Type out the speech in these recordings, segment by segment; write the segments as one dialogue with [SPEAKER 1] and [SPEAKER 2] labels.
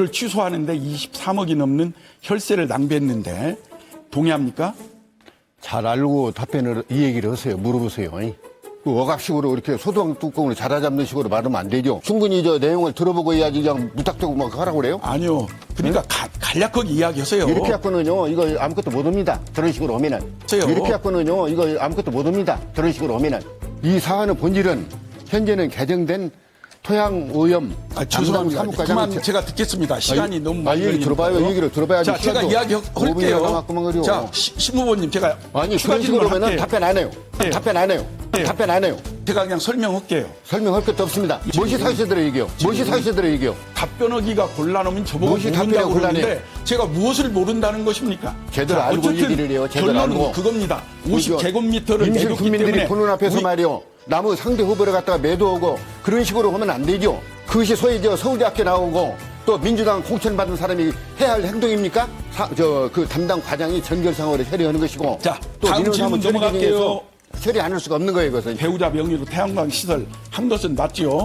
[SPEAKER 1] 이를 취소하는데 23억이 넘는 혈세를 낭비했는데 동의합니까?
[SPEAKER 2] 잘 알고 답변을 이 얘기를 하세요. 물어보세요. 그 억압식으로 이렇게 소동 뚜껑으로 자라잡는 식으로 말하면 안 되죠. 충분히 저 내용을 들어보고 해야지 그냥 무탁대고 막 하라고 그래요?
[SPEAKER 1] 아니요. 그러니까 간략하게 이야기하세요.
[SPEAKER 2] 이렇게 갖고는요, 이거 아무것도 못 합니다. 저런 식으로 오면은.
[SPEAKER 1] 저요.
[SPEAKER 2] 이렇게 갖고는요, 이거 아무것도 못 합니다. 저런 식으로 오면은. 이 사안의 본질은 현재는 개정된 토양오염
[SPEAKER 1] 죄송합니다. 그만 제가 듣겠습니다. 시간이 너무 많이
[SPEAKER 2] 얘기 들어봐요. 얘기를 들어봐야지.
[SPEAKER 1] 자, 제가 이야기할게요. 자, 심 후보님 제가
[SPEAKER 2] 아니, 그런 식으로 하면 답변 안 해요.
[SPEAKER 1] 네.
[SPEAKER 2] 답변 안 해요.
[SPEAKER 1] 네.
[SPEAKER 2] 답변 안 해요.
[SPEAKER 1] 제가 그냥 설명할게요.
[SPEAKER 2] 설명할 것도 없습니다. 무엇이 사실대로 얘기해요. 무엇이 사실대로 얘기해요.
[SPEAKER 1] 답변하기가 곤란하면 저보고
[SPEAKER 2] 무엇이 답변하기가
[SPEAKER 1] 모른다고 그러는데
[SPEAKER 2] 곤란해요.
[SPEAKER 1] 제가 무엇을 모른다는 것입니까?
[SPEAKER 2] 제대로 알고
[SPEAKER 1] 어쨌든
[SPEAKER 2] 얘기를 해요. 제대로
[SPEAKER 1] 결론은
[SPEAKER 2] 알고.
[SPEAKER 1] 그겁니다. 50제곱미터를
[SPEAKER 2] 임실
[SPEAKER 1] 내줬기
[SPEAKER 2] 국민들이
[SPEAKER 1] 때문에
[SPEAKER 2] 보는 앞에서 말이요. 나무 상대 후보를 갖다가 매도하고 그런 식으로 하면 안 되죠. 그것이 소위 저 서울대학교 나오고 또 민주당 공천받은 사람이 해야 할 행동입니까? 그 담당 과장이 전결상으로 처리하는 것이고.
[SPEAKER 1] 자,
[SPEAKER 2] 또
[SPEAKER 1] 다음
[SPEAKER 2] 민원사무
[SPEAKER 1] 질문 넘어갈게요.
[SPEAKER 2] 처리 안 할 수가 없는 거예요, 그것은.
[SPEAKER 1] 배우자 명의로 태양광 시설 한 것은 맞지요?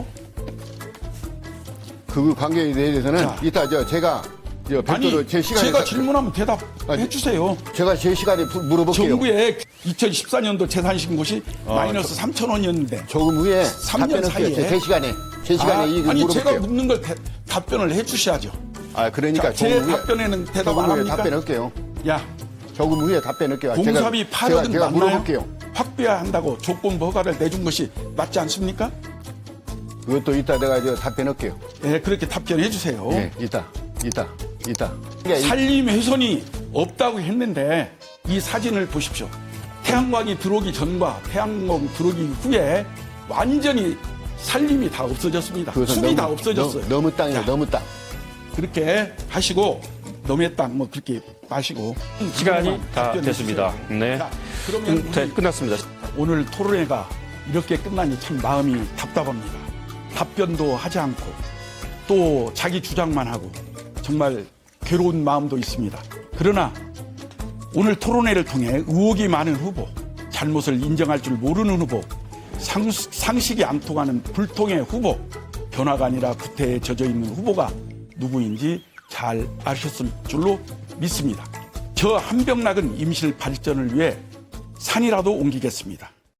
[SPEAKER 2] 그 관계에 대해서는
[SPEAKER 1] 자.
[SPEAKER 2] 이따 제가 별도로
[SPEAKER 1] 아니,
[SPEAKER 2] 제 시간에
[SPEAKER 1] 제가 질문하면 대답해 주세요.
[SPEAKER 2] 제가 제 시간에 물어볼게요.
[SPEAKER 1] 정부의 2014년도 재산신고시 마이너스 3천 원이었는데
[SPEAKER 2] 조금 후에
[SPEAKER 1] 3년
[SPEAKER 2] 답변할게요.
[SPEAKER 1] 사이에
[SPEAKER 2] 제 시간에 이거
[SPEAKER 1] 아니
[SPEAKER 2] 물어볼게요.
[SPEAKER 1] 제가 묻는 걸 답변을 해 주셔야죠.
[SPEAKER 2] 그러니까
[SPEAKER 1] 자, 제
[SPEAKER 2] 조금 후에
[SPEAKER 1] 답변에는 대답
[SPEAKER 2] 조금
[SPEAKER 1] 안
[SPEAKER 2] 후에
[SPEAKER 1] 합니까?
[SPEAKER 2] 답변할게요.
[SPEAKER 1] 야,
[SPEAKER 2] 조금 후에 답변할게요.
[SPEAKER 1] 공사비 8억은
[SPEAKER 2] 제가
[SPEAKER 1] 맞나요?
[SPEAKER 2] 물어볼게요.
[SPEAKER 1] 확보해야 한다고 조건부 허가를 내준 것이 맞지 않습니까?
[SPEAKER 2] 그것도 이따 내가 답변할게요.
[SPEAKER 1] 예, 그렇게 답변해 주세요.
[SPEAKER 2] 예, 이따.
[SPEAKER 1] 산림 훼손이 없다고 했는데 이 사진을 보십시오. 태양광이 들어오기 전과 태양광 들어오기 후에 완전히 산림이 다 없어졌습니다. 숲이 다 없어졌어요.
[SPEAKER 2] 너무 땅이에요.
[SPEAKER 1] 자,
[SPEAKER 2] 너무 땅.
[SPEAKER 1] 그렇게 하시고 너의 땅 뭐 그렇게 마시고
[SPEAKER 3] 시간이 다
[SPEAKER 1] 답변해
[SPEAKER 3] 됐습니다.
[SPEAKER 1] 주세요.
[SPEAKER 3] 네.
[SPEAKER 1] 자, 그러면 우리
[SPEAKER 3] 끝났습니다.
[SPEAKER 1] 오늘 토론회가 이렇게 끝나니 참 마음이 답답합니다. 답변도 하지 않고 또 자기 주장만 하고 정말 괴로운 마음도 있습니다. 그러나 오늘 토론회를 통해 의혹이 많은 후보, 잘못을 인정할 줄 모르는 후보, 상식이 안 통하는 불통의 후보, 변화가 아니라 구태에 젖어 있는 후보가 누구인지 잘 아셨을 줄로 믿습니다. 저 한병락은 임실 발전을 위해 산이라도 옮기겠습니다.